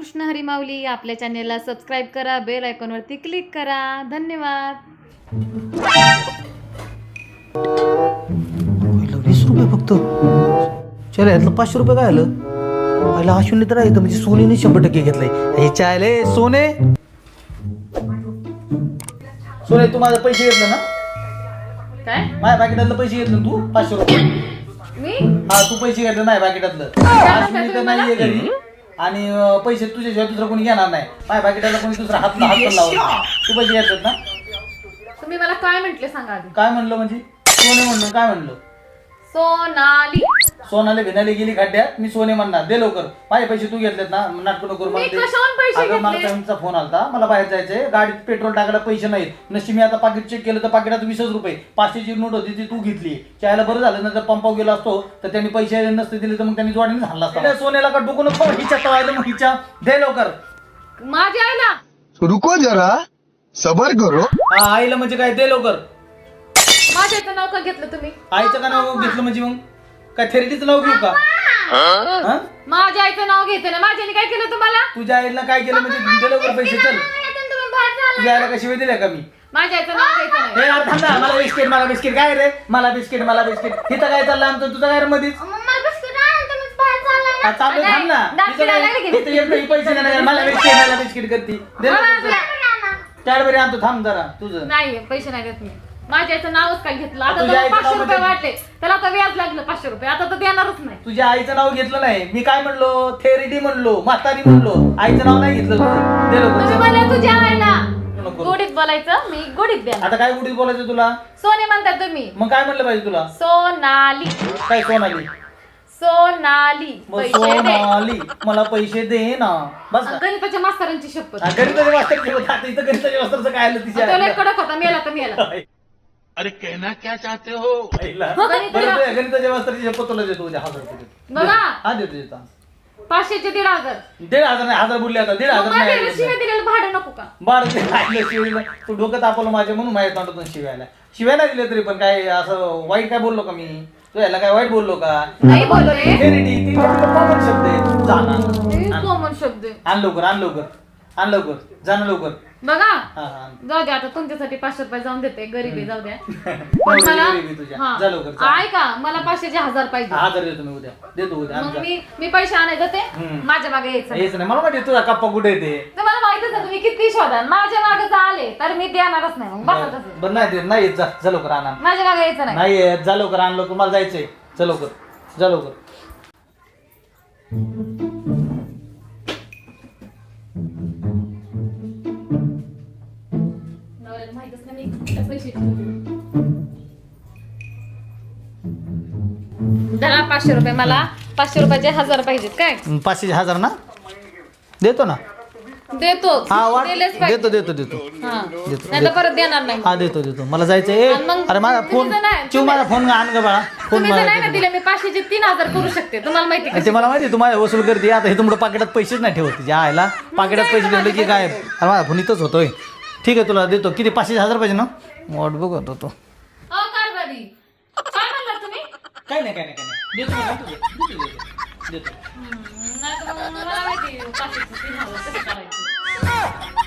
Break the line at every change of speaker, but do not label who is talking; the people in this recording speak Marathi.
रामकृष्ण हरी माऊली. आपल्या चॅनेलला सबस्क्राईब करा, बेल आयकॉनवरती क्लिक करा. धन्यवाद.
20 रुपये फक्त. चल यातलं 500 रुपये काय आलं? पहिला हा शून्य तर आहे म्हणजे सोनीने 100% घेतलंय. हे चायले सोने सोने तू माझे पैसे घेतले ना?
काय
माझ्या पाकिटातलं पैसे घेतलं तू 500 रुपये.
मी
हा तू पैसे घेतले नाही पाकिटातलं. आज मी तर नाहीये घरी आणि पैसे तुझ्याशिवाय दुसरं कोणी घेणार नाही. माझ्या पाकिटाला कोणी दुसरा हात लावला. तू पैसे घेतलेत ना?
तुम्ही मला काय म्हंटले सांगा आधी.
काय म्हणलं म्हणजे? सोने म्हणलं काय म्हणलं?
सोनाली.
सोनाले भिनाले गेली खड्ड्यात मी सोने म्हणणार. दे लवकर. माझे पैसे तू घेतलेत ना? नाटक नको
मी कशावरून पैसे
अगं मला
घेतले?
त्यांचा फोन आलता. मला बाहेर जायचंय. गाडीत पेट्रोल टाकायला पैसे नाहीत. नशी मी आता पाकिट चेक केलं तर पाकिटात 20 रुपये. 500ची नोट होती ती तू घेतली. चायला बरं झालं ना. जर पंपावर गेला असतो तर त्यांनी पैसे नसते दिले तर मग त्यांनी जोडीने झाला असता. सोन्याला का डुकून हिच्या तवायला मग हिच्या दे लवकर.
माझ्या आईला.
रुको जरा सबर करो.
हा आईला म्हणजे काय? दे लवकर.
माझ्या आईचं नाव का घेतलं तुम्ही?
आईचं का नाव घेतलं म्हणजे मग काय थेरडीचं नाव घेऊ का? हा?
माझ्या आईचं नाव घेते ना. माझ्याने काय केलं तुम्हाला?
तुझ्या आईला काय केलं म्हणजे दे लवकर पैसे. चल तुझ्या आईला कशी वेळ दिल्या का मी?
माझ्या आईचं नाव घ्यायचं नाही.
हे यार थांब ना. मला बिस्किट काय रे? मला बिस्किट इथं काय चाललं आमचं? तुझं काय रे मधीच? हा, चालू आहे, थांब ना.
दात
इथं काय-
फिरायला लागले की?
इथं येत पैसे नाही. मला बिस्किट करते. कॅडबरी आणतो. थांब जरा तुझं.
नाही पैसे नाही देत मी. माझ्या आईचं नावच काय घेतलं. आता
तुझ्या
त्याला
आईचं
500
नाव
रुपये
म्हणजे-
वाटले. त्याला आता व्याज लागलं 500 रुपये. आता तर देणारच नाही.
तुझ्या आईचं नाव घेतलं नाही. मी काय म्हणलो? थेरिडी म्हणलो, म्हातारी म्हणलो. आईचं नाव नाही घेतलं तुझं. दे
तुम्ही
लवकर.
म्हणले तुझ्या आईला
नको.
गोडीत बोलायचं. मी गोडीत द्या.
आता काय गुढीत बोलायचं तुला?
सोने म्हणतात तुम्ही.
मग काय म्हणलं पाहिजे तुला?
सोनाली.
काय सोनाली?
सोनाली.
मग
पैसे दे.
सोनाली मला पैसे दे ना. बस ना.
गणिताच्या मास्तरांची शपथ.
गणिताचे मास्तर ठेवत. आता इथं गणिताच्या मास्तरचं काय आलं तिच्या
तो लय कडक होता. मेला तर मेला.
अरे कहना क्या चाहते हो?
आईला. बरं तुझ्या गणिताच्या मास्तरची शपथ तुला देतो उद्या 1000 रुपये देतो.
बघा
हा देतो.
500चे 1,500.
1,500 नाही 1000 बोलले आता. 1,500
माझ्या
नाही.
शिवाय दिलेलं भाडं नको का?
बाळ शिवायला तू डोकं तापवलं माझ्या म्हणून माझ्या तोंडातून शिवायला. शिवाय नाही दिले तरी पण काय असं वाईट काय बोललो का मी? तू याला काय वाईट बोललो का?
नाही बोलले.
थेरिडी ती कॉमन शब्द आहे. जाणार
कॉमन शब्द आहे.
आण लवकर जाणं लवकर.
बघा
हा हा
जाऊ द्या. आता तुमच्यासाठी 500 रुपये जाऊन देते. गरीबी जाऊ द्या.
नवरी
पण मला
गरीबी तुझ्या.
हा.
जा लवकर, जा.
ऐका मला 500चे 1000 पाहिजे.
1000 देतो मी उद्या. देतो उद्या.
मग
आमचा.
मी पैसे आणायचं ते
हम्म.
माझ्या मागे यायचं नाही.
हेच नाही मला माहिती तुझा कप्पा कुठे येते.
तुम्हाला माहितच आहे तुम्ही किती शोधा. माझ्या मागे जर आले तर मी देणारच नाही. मग बसा तसं.
बरं नाही येत. जा लवकर आणा.
माझ्या मागे यायचं नाही.
नाही येत. जा लवकर आण लवकर. मला जायचंय. जा लवकर.
नवऱ्याला माहितच नाही मी कुठल्या पैसे दहा 500 रुपये. मला 500 रुपयाचे 1000 पाहिजेत. काय
500 1000 ना देतो ना.
देतो.
हा वाट
दिलेच पाहिजे.
देतो.
हा. नाही तर परत देणार नाही.
हा देतो. मला जायचंय.
आणि मग
अरे माझा फोन
तुम्ही जर नाही-
चिव माझा फोन आण ग बाळा. फोन
तुम्ही जर नाही ना
मला
दिले मी 500चे 3000 करू शकते. तुम्हाला माहिती का?
ते मला माहिती तू माझ्या वसूल करते. आता हे तुमच्या पाकिटात पैसेच नाही ठेवत. तिच्या आयला पाकिटात पैसे ठेवले की काय? अरे माझा फोन इथंच होतोय. ठीक आहे तुला देतो. किती 500 1000 पाहिजे ना? वाट बघत होतो.
कारभारी काय म्हणला तुम्ही?
काय नाही देतो.
नाही तर मग मला माहिती 500चे 3000 कसं करायचं.